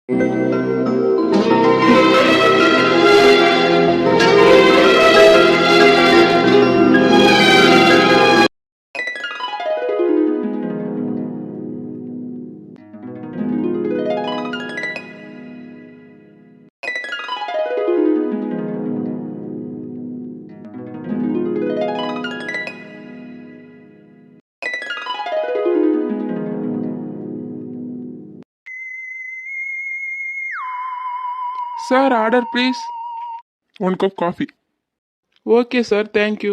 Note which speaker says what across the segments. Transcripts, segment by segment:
Speaker 1: Sir order please.
Speaker 2: 1 cup coffee.
Speaker 1: Okay sir, thank you.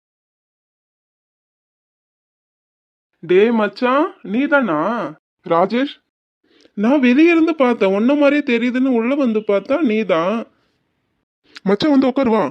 Speaker 1: டேய் மச்சான், நீ தானா?
Speaker 2: ராஜேஷ்,
Speaker 1: நான் வெளியே இருந்து பார்த்தேன், ஒன்ன மாதிரியே தெரியுதுன்னு உள்ள வந்து பார்த்தா நீ தான்.
Speaker 2: மச்சான் வந்து உட்காருவா.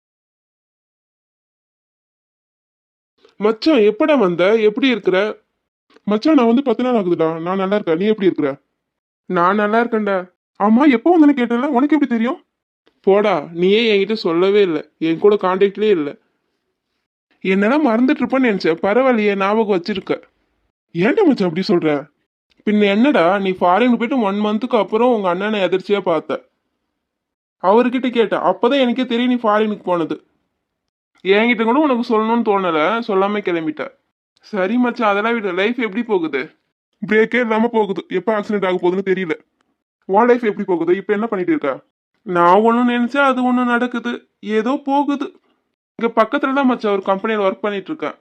Speaker 1: மச்சான் எப்படா வந்த? எப்படி இருக்கிற?
Speaker 2: மச்சான் நான் வந்து 10 நாள் ஆகுதுடா. நான் நல்லா இருக்கேன். நீ எப்படி இருக்கிற?
Speaker 1: நான் நல்லா இருக்கேன்டா.
Speaker 2: ஆமா, எப்போ வந்தேன்னு கேட்டல, உனக்கு எப்படி தெரியும்?
Speaker 1: போடா, நீயே என்கிட்ட சொல்லவே இல்லை, என் கூட கான்டாக்ட்லேயே இல்லை. என்னெல்லாம் மறந்துட்டு இருப்பேன்னு நினைச்சேன். பரவாயில்லையே, ஞாபகம் வச்சிருக்க.
Speaker 2: ஏன்டா மச்சான் அப்படி சொல்ற?
Speaker 1: பின்ன என்னடா, நீ ஃபாரின் போயிட்டு 1 மந்த்துக்கு அப்புறம் உங்க அண்ணனை எதிர்ச்சியா பார்த்த. அவர்கிட்ட கேட்டேன், அப்பதான் எனக்கே தெரியும் நீ ஃபாரினுக்கு போனது. என்கிட்ட கூட உனக்கு சொல்லணும்னு தோணல, சொல்லாம கிளம்பிட்ட. சரி மச்சான், அதெல்லாம் விட லைஃப் எப்படி போகுது?
Speaker 2: பிரேக்கே இல்லாம போகுது. எப்போ ஆக்சிடென்ட் ஆக போகுதுன்னு தெரியல. உன் லைஃப் எப்படி போகுது? இப்போ என்ன பண்ணிட்டு இருக்க?
Speaker 1: நான் ஒன்றும் நினைச்சா அது ஒன்று நடக்குது. ஏதோ போகுது. இங்க பக்கத்துல தான் மச்சான் ஒரு கம்பெனியில் ஒர்க் பண்ணிட்டு இருக்கேன்.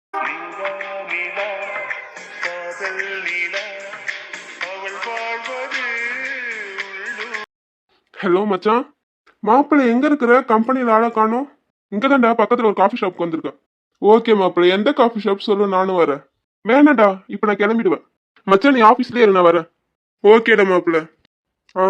Speaker 2: ஹலோ மச்சான், மாப்பிள்ளை எங்க இருக்கிற? கம்பெனியில் ஆளை காணோம். இங்க தான்டா பக்கத்துல ஒரு காஃபி ஷாப்க்கு வந்திருக்கேன்.
Speaker 1: ஓகே மாப்பிள்ளை, எந்த காஃபி ஷாப் சொல்லு, நானும் வரேன்.
Speaker 2: வேணாடா, இப்போ நான் கிளம்பிடுவேன்.
Speaker 1: மச்சான் நீ ஆஃபீஸ்லேயே இரு, நான் வரேன். ஓகேடா மாப்பிள்ளை.
Speaker 2: ஆ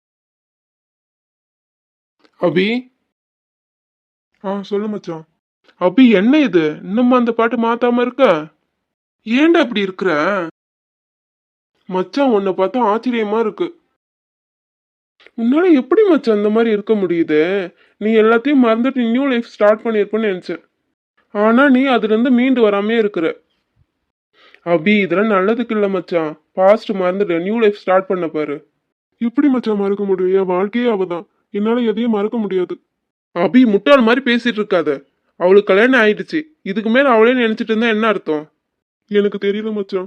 Speaker 1: அபி,
Speaker 2: சொல்லு மச்சான்.
Speaker 1: அபி என்ன இது, இன்னும் அந்த பாட்டு மாத்தாம இருக்க? ஏன்டா அப்படி இருக்கிற? மச்சான் உன்னை பார்த்தா ஆச்சரியமா இருக்கு. உன்னால எப்படி மச்சான் அந்த மாதிரி இருக்க முடியுது? நீ எல்லாத்தையும் மறந்துட்டு நியூ லைஃப் ஸ்டார்ட் பண்ணியிருப்பேன்னு நினைச்சேன். ஆனா நீ அதுல இருந்து மீண்டு வராமே இருக்கிற. அபி இதெல்லாம் நல்லதுக்கு இல்ல மச்சான். பாஸ்ட் மறந்துட்டு நியூ லைஃப் ஸ்டார்ட் பண்ண பாரு.
Speaker 2: எப்படி மச்சான் மறக்க முடியும்? என் வாழ்க்கையே அவதான். என்னால எதையும் மறக்க முடியாது.
Speaker 1: அபி முட்டாள் மாதிரி பேசிட்டு இருக்காத. அவளுக்கு கல்யாணம் ஆயிடுச்சு. இதுக்கு மேல அவளே நினைச்சிட்டு இருந்தா என்ன அர்த்தம்?
Speaker 2: எனக்கு தெரியல மச்சான்.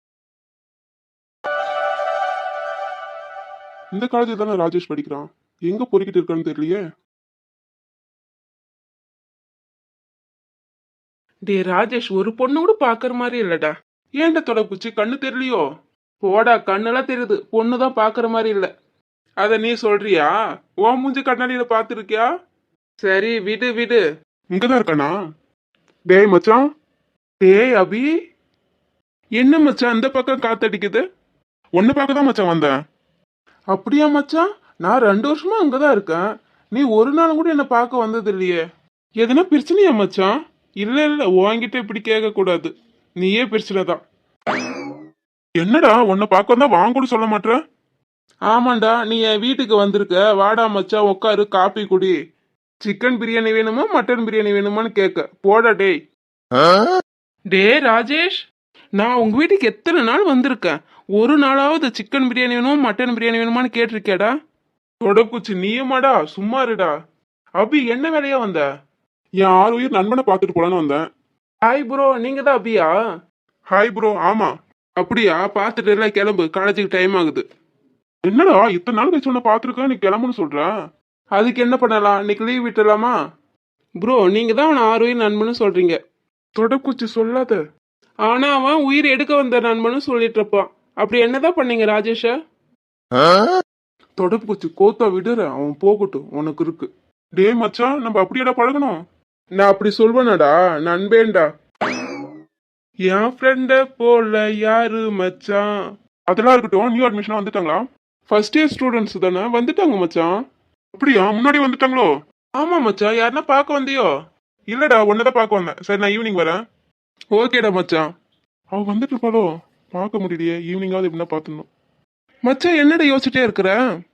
Speaker 2: இந்த காலேஜ் தானே ராஜேஷ் படிக்கிறான். எங்க பொறுக்கிட்டு இருக்கான்னு தெரியலையே.
Speaker 1: டே ராஜேஷ், ஒரு பொண்ணு கூட பாக்குற மாதிரி இல்லடா. ஏன்டா தொடப்புச்சு, கண்ணு தெரியலையோ? போடா, கண்ணெல்லாம் தெரியுது, பொண்ணுதான் பாக்குற மாதிரி இல்ல. அத நீ சொல்றியா? ஓ மூஞ்சி கண்ணாடியில பாத்துருக்கியா? சரி விடு விடு.
Speaker 2: இங்கதான் இருக்கானா? டேய் மச்சான்.
Speaker 1: டேய் அபி, என்ன மச்சான் இந்த பக்கம் காத்தடிக்குது?
Speaker 2: உன்னை பார்க்க தான் மச்சான் வந்தேன்.
Speaker 1: அப்படியா மச்சான்? நான் 2 வருஷமா அங்கதான் இருக்கேன். நீ ஒரு நாள் கூட என்ன பார்க்க வந்தது இல்லையே. எதுனா பிரச்சனையா மச்சான்? இல்ல இல்ல, உன்கிட்ட இப்படி கேட்க கூடாது. நீயே பிரச்சனை தான்.
Speaker 2: என்னடா உன்னை பார்க்க வந்தா வாங்க கூட சொல்ல மாட்டேற?
Speaker 1: ஆமாண்டா, நீ என் வீட்டுக்கு வந்திருக்க. வாடா மச்சான் உட்காரு, காப்பி குடி. சிக்கன் பிரியாணி வேணுமா மட்டன் பிரியாணி வேணுமான்னு கேட்க. போடா டேய். டே ராஜேஷ், நான் உங்க வீட்டுக்கு எத்தனை நாள் வந்திருக்கேன். ஒரு நாளாவது சிக்கன் பிரியாணி வேணுமா மட்டன் பிரியாணி வேணுமான்னு கேட்டிருக்கேடா. தொடக்குச்சி நீயுமாடா, சும்மா இருடா. அபி என்ன வேலையா வந்த?
Speaker 2: என் 6 உயிர் நண்பனை பார்த்துட்டு போலான்னு வந்தேன்.
Speaker 1: ஹாய் ப்ரோ, நீங்க தான் அபியா?
Speaker 2: Hi bro. ஆமா.
Speaker 1: அப்படியா? பார்த்துட்டு எல்லாம் கிளம்பு, காலேஜுக்கு டைம் ஆகுது.
Speaker 2: என்னடா இத்தனை நாள் கழிச்சு உன்னை பார்த்துருக்கேன், நீ கிளம்புன்னு சொல்ற?
Speaker 1: அதுக்கு என்ன பண்ணலாம், இன்னைக்கு லீவ் விட்டுலாமா? ப்ரோ நீங்க தான் அவனை 6 உயிர் நண்பன்னு சொல்றீங்க.
Speaker 2: தொடக்குச்சி சொல்லாத.
Speaker 1: ஆனா அவன் உயிர் எடுக்க வந்த நண்பன்னு சொல்லிட்டு இருப்பான். அப்படி என்னதான் பண்ணீங்க ராஜேஷ?
Speaker 2: தொடக்குச்சி கோத்தா விடுற, அவன் போகட்டும், உனக்கு இருக்கு. டே மச்சான், நம்ம அப்படியேடா பழகணும்.
Speaker 1: நான் அப்படி சொல்வேனடா, நண்பேண்டா. என் ஃப்ரெண்ட போல யாரு மச்சான்?
Speaker 2: அதெல்லாம் இருக்கட்டும், நியூ அட்மிஷனா வந்துட்டாங்களா?
Speaker 1: ஃபர்ஸ்ட் இயர் ஸ்டூடெண்ட்ஸ் தானே, வந்துட்டாங்க மச்சான்.
Speaker 2: அப்படியா? முன்னாடி வந்துட்டாங்களோ?
Speaker 1: ஆமா மச்சான், யாருன்னா பார்க்க வந்தியோ?
Speaker 2: இல்லடா, ஒன்னதான் பார்க்க வந்தேன். சரி, நான் ஈவினிங் வரேன்.
Speaker 1: ஓகேடா மச்சான்.
Speaker 2: அவ வந்துட்டு இருப்பாளோ? பார்க்க முடியலையே, ஈவினிங்காவது எப்படின்னா பார்த்துடணும்.
Speaker 1: மச்சான் என்னடா யோசிச்சுட்டே இருக்கிற?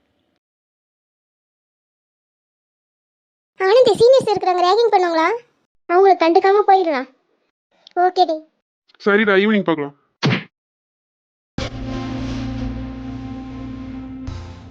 Speaker 3: ஆனந்தி, சீனியர்ஸ் இருக்கிறாங்க, ரேகிங் பண்ணுவாங்களா? அவங்கள கண்டுக்காம போயிடலாம். ஓகேடி.
Speaker 2: சரிடா, ஈவினிங் பார்க்கலாம்.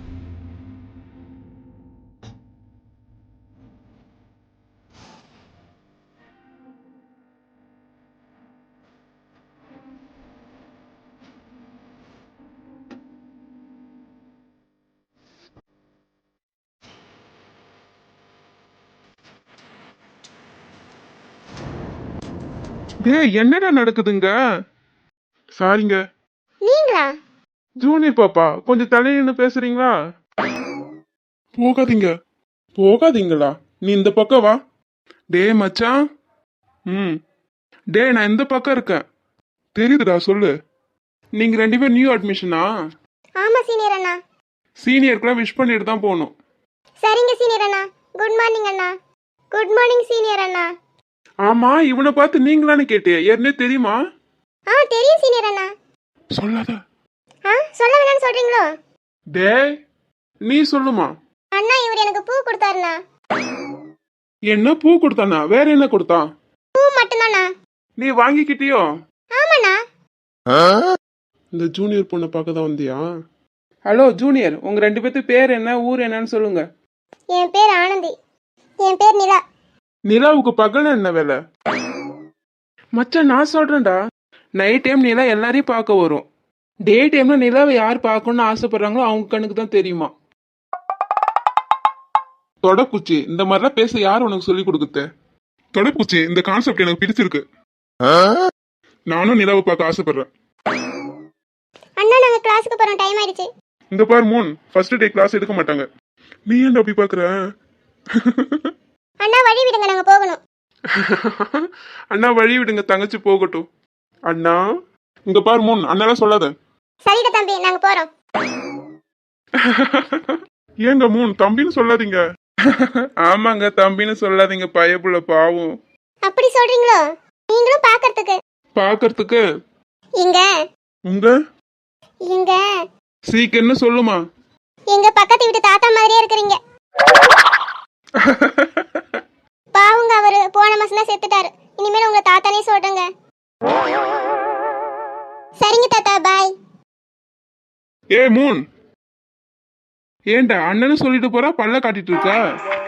Speaker 1: டேய் என்னடா நடக்குதுங்க?
Speaker 2: சாரிங்க.
Speaker 3: நீங்களா?
Speaker 1: ஜூனியர் பாப்பா கொஞ்சம் தள்ளி நின்னு பேசுறீங்களா?
Speaker 2: போகாதீங்க.
Speaker 1: போகாதீங்களா? நீ இந்த பக்கம் வா. டேய் மச்சான்.
Speaker 2: ம்.
Speaker 1: டேய் நான் இந்த பக்கம் இருக்கேன்.
Speaker 2: தெரியுதுடா, சொல்லு.
Speaker 1: நீங்க 2 பேரும் நியூ அட்மிஷனா?
Speaker 3: ஆமா சீனியர் அண்ணா.
Speaker 1: சீனியருக்குலாம் விஷ் பண்ணிட்டு தான் போகணும்.
Speaker 3: சரிங்க சீனியர் அண்ணா. குட் மார்னிங் அண்ணா. குட் மார்னிங் சீனியர் அண்ணா.
Speaker 1: ஆமா இவனை பார்த்து நீங்களான்னு கேட்டியா? ஏற்கனவே தெரியுமா?
Speaker 3: தெரியும் சீனியர் அண்ணா.
Speaker 2: சொல்லாத.
Speaker 3: சொல்ல வேணாம்னு சொல்றீங்களோ?
Speaker 1: டேய் நீ சொல்லுமா.
Speaker 3: அண்ணா இவர் எனக்கு பூ கொடுத்தாருண்ணா.
Speaker 1: என்ன பூ கொடுத்தானா? வேற என்ன கொடுத்தான்?
Speaker 3: பூ மட்டும்தாண்ணா.
Speaker 1: நீ வாங்கிக்கிட்டியோ?
Speaker 3: ஆமாண்ணா.
Speaker 1: இந்த ஜூனியர் பொண்ணை பார்க்க தான் வந்தியா? ஹலோ ஜூனியர், உங்க 2 பேர்த்து பேர் என்ன, ஊர் என்னன்னு சொல்லுங்க.
Speaker 3: என் பேர் ஆனந்தி. என் பேர் நிலா.
Speaker 1: நிலாவுக்கு பகல் என்ன வேலை? மச்சான் நான் சொல்றேன்டா, நைட் டைம் நிலா எல்லாரையும் பார்க்க வரும். டே டைம்ல நிலாவை யார் பார்க்கணும்னு ஆசைப்படுறாங்களோ அவங்க கண்ணுக்கு தான் தெரியுமா. தொடக்குச்சி, இந்த மாதிரிலாம் பேச யார் உனக்கு சொல்லி கொடுக்குது?
Speaker 2: தொடப்பூச்சி, இந்த கான்செப்ட் எனக்கு பிடிச்சிருக்கு. நானும் நிலாவை பார்க்க ஆசைப்படுறேன்.
Speaker 3: அண்ணா நாங்க கிளாஸுக்கு போறோம், டைம் ஆயிடுச்சு.
Speaker 2: இந்த பார் மூன், ஃபர்ஸ்ட் டே கிளாஸ் எடுக்க மாட்டாங்க. நீ ஏன்டா அப்படி பாக்குற?
Speaker 3: அண்ணா வழி விடுங்க, நாங்க போகணும்.
Speaker 1: அண்ணா வழி விடுங்க, தங்கச்சி போகட்டும். அண்ணா
Speaker 2: இந்த பார் மூன், அண்ணாலாம் சொல்லாத.
Speaker 3: சரிடா தம்பி, நாங்க போறோம்.
Speaker 2: ஏங்க மூன், தம்பின்னு சொல்லாதீங்க.
Speaker 1: ஆமாங்க தம்பின்னு சொல்லாதீங்க, பயப்புள்ள பாவம்.
Speaker 3: அப்படி சொல்றீங்களோ? நீங்களும் பாக்கிறதுக்கு
Speaker 1: பாக்கிறதுக்கு
Speaker 3: இங்க
Speaker 2: உங்க
Speaker 3: இங்க
Speaker 1: சீக்கிரம்னு சொல்லுமா.
Speaker 3: எங்க பக்கத்து வீட்டு தாத்தா மாதிரியே இருக்கிறீங்க. பாவுங்க, அவரு போன மாசம் தான் செத்துட்டாரு. இனிமேல் உங்க தாத்தானே சொல்றேங்க. சரிங்க தாத்தா, பாய்.
Speaker 1: ஏ மூன், ஏண்டா அண்ணன்னு சொல்லிட்டு போறா, பல்ல காட்டிட்டு இருக்கா?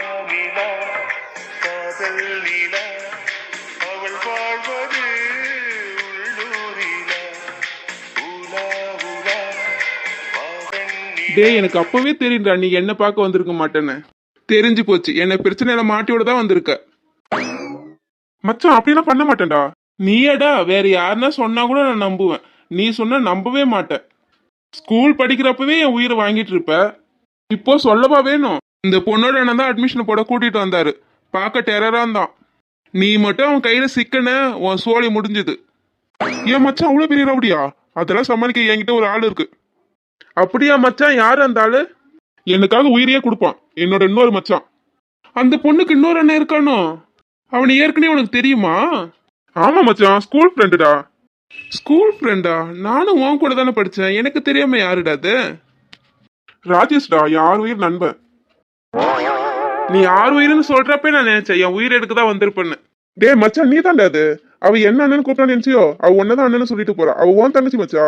Speaker 1: டேய் எனக்கு அப்பவே தெரியும்டா நீ என்ன பார்க்க வந்திருக்க மாட்டேன்னு. தெரிஞ்சு போச்சு, என்ன பிரச்சனையில மாட்டியோட தான் வந்திருக்க.
Speaker 2: மச்சான் அப்படிலாம் பண்ண மாட்டேன்டா.
Speaker 1: நீயடா, வேற யாருன்னா சொன்னா கூட நான் நம்புவேன். நீ சொன்னா நம்பவே மாட்டேன். ஸ்கூல் படிக்கிறப்பவே என் உயிரை வாங்கிட்டு இருப்ப. இப்போ சொல்லவா வேணும்? இந்த பொண்ணோட அண்ணன் தான் அட்மிஷன் போட கூட்டிட்டு வந்தாரு. பார்க்க டெரரா இருந்தான். நீ மட்டும் அவன் கையில சிக்கன, உன் சோழி முடிஞ்சது.
Speaker 2: ஏன் மச்சான் அவ்வளவு பெரிய ரவுடியா? அதெல்லாம் சமாளிக்க என்கிட்ட ஒரு ஆள் இருக்கு.
Speaker 1: அப்படியா மச்சான்? யாரு அந்த ஆளு?
Speaker 2: எனக்காக உயிரையே கொடுப்பான், என்னோட இன்னொரு மச்சான்.
Speaker 1: அந்த பொண்ணுக்கு இன்னொரு அண்ணன் இருக்கானோ? அவனை ஏற்கனவே உனக்கு தெரியுமா?
Speaker 2: ஆமா மச்சான், ஸ்கூல் ஃப்ரெண்டுடா.
Speaker 1: ஸ்கூல் ஃப்ரெண்டா? நானும் உன் கூட தானே படிச்சேன். எனக்கு தெரியாம யாருடா அது?
Speaker 2: ராஜேஷ்டா, யார் உயிர் நண்பன்.
Speaker 1: நீ யார் உயிர்னு சொல்றப்ப நான் நினைச்சேன் என் உயிர் எடுக்க தான் வந்திருப்பேன்னு.
Speaker 2: டே மச்சான், நீ தான்டா அது. அவ என்ன அண்ணன் கூப்பிட்டா நினைச்சியோ? அவ ஒன்னதான் அண்ணன் சொல்லிட்டு போறா. அவ உன் தங்கச்சி மச்சா.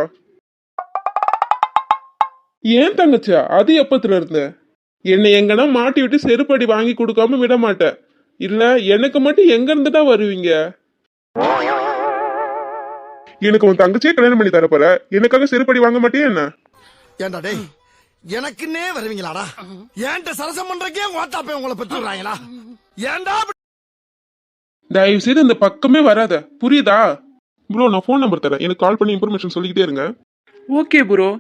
Speaker 1: ஏன் தங்கச்சா? அது எப்பத்துல இருந்து? என்னை எங்கன்னா மாட்டி விட்டு செருப்படி வாங்கி கொடுக்காம விட மாட்டேன். இல்ல எனக்கு மட்டும் எங்க இருந்துட்டா வருவீங்க?
Speaker 2: எனக்கு உன் தங்கச்சியே கல்யாணம் பண்ணி தரப்போற, எனக்காக செருப்படி வாங்க மாட்டியே என்ன?
Speaker 4: ஏண்டா டேய், எனக்குன்னே வருவீங்களாடா? ஏன்ட்ட சரசம் பண்றக்கே ஓட்டாப்பே உங்களை பெற்றுறாங்களா? ஏன்டா
Speaker 1: தயவு செய்து இந்த பக்கமே வராத, புரியுதா?
Speaker 2: ப்ரோ, நான் ஃபோன் நம்பர் தரேன், எனக்கு கால் பண்ணி இன்ஃபர்மேஷன் சொல்லிக்கிட்டே இருங்க.
Speaker 1: Okay bro.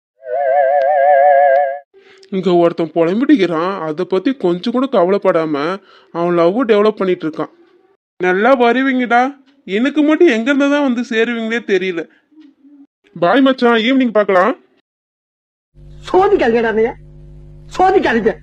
Speaker 1: இங்க ஒருத்தன் புலம்பிடிக்கிறான், அதை பத்தி கொஞ்சம் கூட கவலைப்படாம அவன் லவ் டெவலப் பண்ணிட்டு இருக்கான். நல்லா வருவீங்கடா, எனக்கு மட்டும் எங்க இருந்ததான் வந்து சேருவீங்களே தெரியல.
Speaker 2: பாய் மச்சான், ஈவினிங் பார்க்கலாம்.
Speaker 4: சோதிக்காதீங்க, சோதிக்காதீங்க.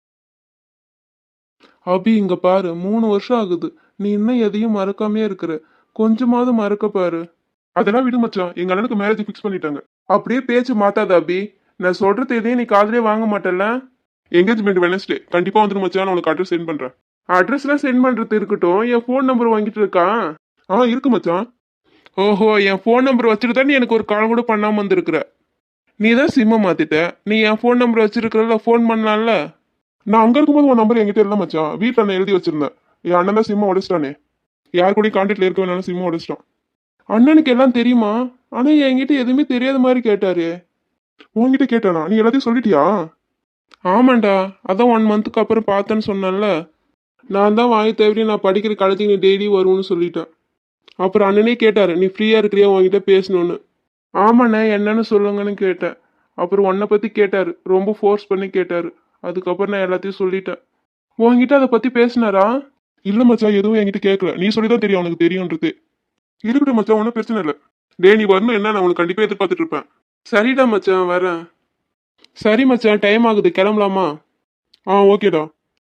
Speaker 1: அபி இங்க பாரு, 3 வருஷம் ஆகுது, நீ இன்னும் எதையும் மறக்காமே இருக்கிற. கொஞ்சமாவது மறக்க பாரு.
Speaker 2: அதெல்லாம் விடு மச்சான், எங்க அண்ணனுக்கு மேரேஜ் ஃபிக்ஸ் பண்ணிட்டாங்க.
Speaker 1: அப்படியே பேச்சு மாத்தாத அபி. நான் சொல்றது எதையும் நீ காதலே வாங்க மாட்டல.
Speaker 2: என்கேஜ்மெண்ட் வெனஸ்டே கண்டிப்பா வந்துடும் மச்சான், நான் உனக்கு அட்ரஸ் சென்ட் பண்றேன்.
Speaker 1: அட்ரஸ்லாம் சென்ட் பண்றது இருக்கட்டும், என் ஃபோன் நம்பர் வாங்கிட்டு இருக்கான்.
Speaker 2: இருக்கு மச்சான்.
Speaker 1: ஓஹோ, என் ஃபோன் நம்பர் வச்சுட்டு தான் நீ எனக்கு ஒரு கால் கூட பண்ணாம வந்திருக்கிற. நீ தான் சிம்மை மாத்திட்ட. நீ என் ஃபோன் நம்பர் வச்சிருக்கிறல, ஃபோன் பண்ணலாம்ல.
Speaker 2: நான் அங்க இருக்கும்போது உன் நம்பர் என்கிட்ட இல்லை மச்சான், வீட்டில் நான் எழுதி வச்சிருந்தேன். என் அண்ணன் தான் சிம்மை உடைச்சிட்டானே. யார் கூடயும் கான்டாக்ட்ல இருக்க வேணாலும் சிம்மை உடைச்சிட்டான்.
Speaker 1: அண்ணனுக்கு எல்லாம் தெரியுமா? ஆனா என்கிட்ட எதுவுமே தெரியாத மாதிரி கேட்டாரு.
Speaker 2: உன்கிட்ட கேட்டானா? நீ எல்லாத்தையும் சொல்லிட்டியா?
Speaker 1: ஆமாண்டா, அதான் 1 மந்த்துக்கு அப்புறம் பார்த்தேன்னு சொன்னேன்ல. நான் தான் வாங்கி தவிர நான் படிக்கிற காலத்துக்கு நீ டெய்லி வருவோன்னு சொல்லிட்டேன்.
Speaker 2: அப்புறம் அண்ணனே கேட்டாரு நீ ஃப்ரீயா இருக்கிறியா உங்ககிட்ட பேசணும்னு. ஆமாண்ணே என்னன்னு சொல்லுங்கன்னு கேட்டேன். அப்புறம் உன்னை பத்தி கேட்டாரு, ரொம்ப ஃபோர்ஸ் பண்ணி கேட்டாரு. அதுக்கப்புறம் நான் எல்லாத்தையும் சொல்லிட்டேன். உன்கிட்ட அதை பத்தி பேசினாரா? இல்ல மச்சான், எதுவும் என்கிட்ட கேட்கல. நீ சொல்லிதான் தெரியும் அவனுக்கு தெரியும்ன்றது. இருக்கட்டும் மச்சான், ஒன்றும் பிரச்சனை இல்லை. டே நீ வரணும் என்ன, நான் உனக்கு கண்டிப்பா எதிர்பார்த்துட்டு இருப்பேன். சரிடா மச்சான், வரேன். சரி மச்சான், டைம் ஆகுது, கிளம்பலாமா? ஓகேடா.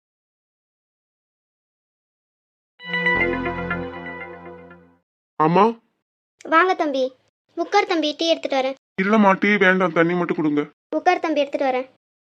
Speaker 2: ஆமா.
Speaker 3: வாங்க தம்பி, உட்கார் தம்பி, டீ எடுத்துட்டு வரேன்.
Speaker 2: இல்லம்மா, டீ வேண்டாம், தண்ணி மட்டும் கொடுங்க.
Speaker 3: உட்கார் தம்பி, எடுத்துட்டு வரேன்.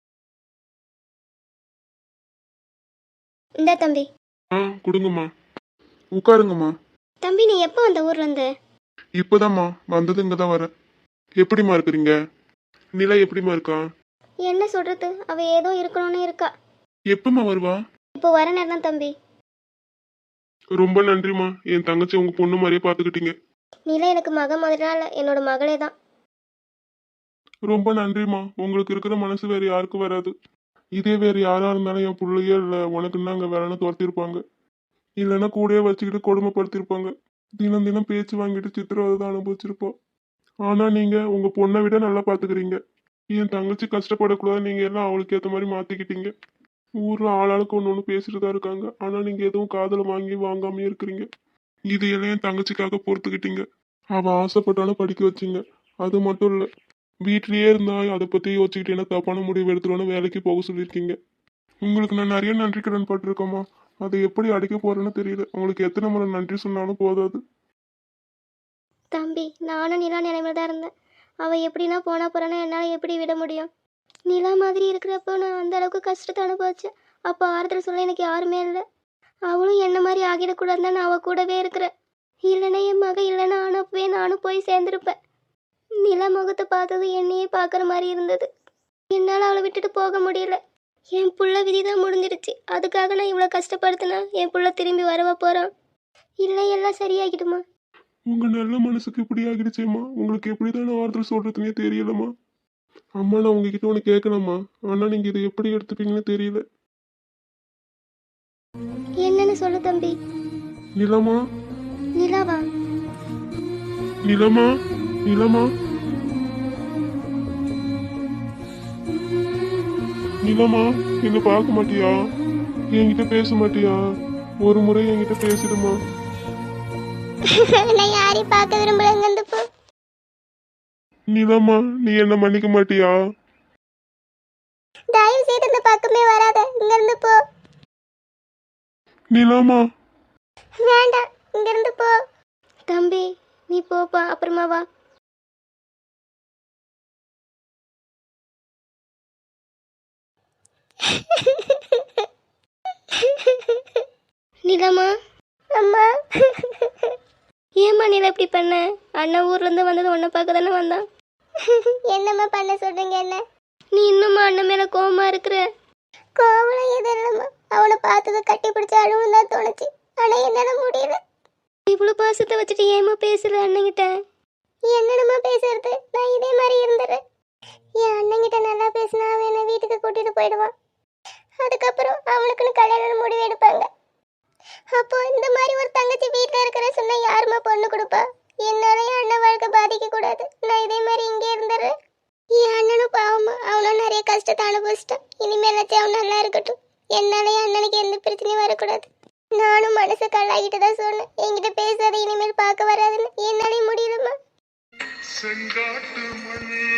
Speaker 3: இந்த தம்பி.
Speaker 2: கொடுங்கம்மா. உட்காருங்கம்மா.
Speaker 3: தம்பி நீ எப்போ வந்த ஊர்ல இருந்து?
Speaker 2: இப்போதாம்மா வந்தது, இங்க தான் வரேன். எப்படிம்மா இருக்கிறீங்க? நிலா எப்படிம்மா இருக்கா?
Speaker 3: என்ன சொல்றது, அவ ஏதோ இருக்கணும்னு இருக்கா.
Speaker 2: எப்பம்மா வருவா?
Speaker 3: இப்போ வர நேரம் தம்பி.
Speaker 2: ரொம்ப நன்றிம்மா, என் தங்கச்சி உங்க பொண்ணு மாதிரியே பாத்துக்கிட்டீங்க.
Speaker 3: நிலா எனக்கு மக மாதிரிலாம் இல்லை, என்னோட மகளே தான்.
Speaker 2: ரொம்ப நன்றிம்மா, உங்களுக்கு இருக்கிற மனசு வேற யாருக்கும் வராது. இதே வேற யாரா இருந்தாலும் என் பிள்ளையே இல்லை உனக்குன்னா அங்கே வேலைன்னு துரத்திருப்பாங்க, இல்லைன்னா கூடயே வச்சுக்கிட்டு கொடுமைப்படுத்திருப்பாங்க, தினம் தினம் பேச்சு வாங்கிட்டு சித்திரவதை தான் அனுபவிச்சிருப்போம். ஆனா நீங்க உங்க பொண்ணை விட நல்லா பாத்துக்கிறீங்க. என் தங்கச்சி கஷ்டப்படக்கூடாது, நீங்க எல்லாம் அவளுக்கு ஏற்ற மாதிரி மாத்திக்கிட்டீங்க. ஊர்ல ஆளாளுக்கு ஒன்று பேசிட்டு தான் இருக்காங்க, ஆனா நீங்க எதுவும் காதல வாங்கி வாங்காம இருக்கிறீங்க. இது எல்லாம் என் தங்கச்சிக்காக பொறுத்துக்கிட்டீங்க. அவ ஆசைப்பட்டாலும் படிக்க வச்சிங்க. அது மட்டும் இல்ல, வீட்லயே இருந்தா அதை பத்தி யோசிச்சுக்கிட்டு என்ன தப்பான முடிவு எடுத்துருவோன்னு வேலைக்கு போக சொல்லியிருக்கீங்க. உங்களுக்கு நான் நிறைய நன்றி கடன் பட்டிருக்கோமா, அதை எப்படி அடிக்க போறேன்னு தெரியல. உங்களுக்கு எத்தனை முறை நன்றி சொன்னாலும் போதாது.
Speaker 3: தம்பி நானும் நிலா நிலைமையில தான் இருந்தேன். அவள் எப்படின்னா போனா போறான்னு என்னால் எப்படி விட முடியும்? நிலா மாதிரி இருக்கிறப்போ நான் அந்த அளவுக்கு கஷ்டத்தை அனுபவிச்சேன். அப்போ ஆறுதல் சொல்ல எனக்கு யாருமே இல்லை. அவளும் என்ன மாதிரி ஆகிடக்கூடாதுன்னு நான் அவள் கூடவே இருக்கிறேன். இல்லைன்னா என் மக இல்லைன்னா ஆனப்பவே நானும் போய் சேர்ந்துருப்பேன். நிலா முகத்தை பார்த்தது என்னையே பார்க்குற மாதிரி இருந்தது. என்னால் அவளை விட்டுட்டு போக முடியல. என் புள்ள விதி தான் முடிஞ்சிடுச்சு. அதுக்காக நான் இவ்வளோ கஷ்டப்படுத்தினா என் புள்ள திரும்பி வரவா போகிறான்? இல்லை எல்லாம் சரியாகிடுமா?
Speaker 2: உங்க நல்ல மனசுக்கு இப்படி ஆகிடுச்சேம்மா, உங்களுக்கு எப்படிதான் ஆறுதல் சொல்றதுன்னே தெரியலம்மா. அம்மா நான் உங்ககிட்ட ஒன்று கேட்கணும்மா, ஆனா நீங்க இதை எப்படி எடுத்துப்பீங்கன்னு தெரியல.
Speaker 3: என்னன்னு சொல்லு தம்பி.
Speaker 2: நிலமா?
Speaker 3: நிலாவா?
Speaker 2: நிலமா? நிலமா? நிலமா, என்ன பார்க்க மாட்டியா? என்கிட்ட பேச மாட்டியா? ஒரு முறை என்கிட்ட பேசிடுமா?
Speaker 3: நான் யாரையும் பார்க்க விரும்பலங்க. இந்த போ.
Speaker 2: நிலமா, நீ என்ன மன்னிக்க மாட்டியா?
Speaker 3: தயவு செய்து இந்த பக்கமே வராத, இங்க இருந்து போ.
Speaker 2: நிலமா?
Speaker 3: வேண்டாம், இங்க இருந்து போ. தம்பி நீ போப்பா, அப்புறமா வா. நிலமா? அம்மா. ஏம்மா நிலா இப்படி பண்ண? அண்ணன் ஊர்ல இருந்து வந்தது உன்னை பார்க்க தானே வந்தான். என்னம்மா பண்ண சொல்றீங்க? என்ன நீ இன்னும்மா அண்ணன் மேல கோவமா இருக்கிற? கோவம் எது இல்லம்மா, அவனை பார்த்தது கட்டி பிடிச்ச அழுவும் தான் தோணுச்சு. ஆனா என்னால முடியல. இவ்வளவு பாசத்தை வச்சுட்டு ஏமா பேசுற அண்ணங்கிட்ட? என்னடமா பேசுறது, நான் இதே மாதிரி இருந்துறேன். என் அண்ணங்கிட்ட நல்லா பேசினா அவன் என்ன வீட்டுக்கு கூட்டிட்டு போயிடுவான். அதுக்கப்புறம் அவனுக்குன்னு கல்யாணம் முடிவு எடுப்பாங்க. அப்போ இந்த மாதிரி ஒரு தங்கச்சி வீட்டில் இருக்கிற சொன்னா யாருமா பொண்ணு கொடுப்பா? என்னால என் அண்ணன் வாழ்க்கை பாதிக்க கூடாது. நான் இதே மாதிரி இங்கே இருந்துடுறேன். என் அண்ணனும் பாவமா, அவனும் நிறைய கஷ்டத்தை அனுபவிச்சிட்டான். இனிமேலாச்சும் அவன் நல்லா இருக்கட்டும். என்னால என் அண்ணனுக்கு எந்த பிரச்சனையும் வரக்கூடாது. நானும் மனசை கல்லாகிட்டு தான் சொன்னேன், என்கிட்ட பேசாத, இனிமேல் பார்க்க வராதுன்னு. என்னாலே முடியலம்மா.
Speaker 2: செங்காட்டு மணி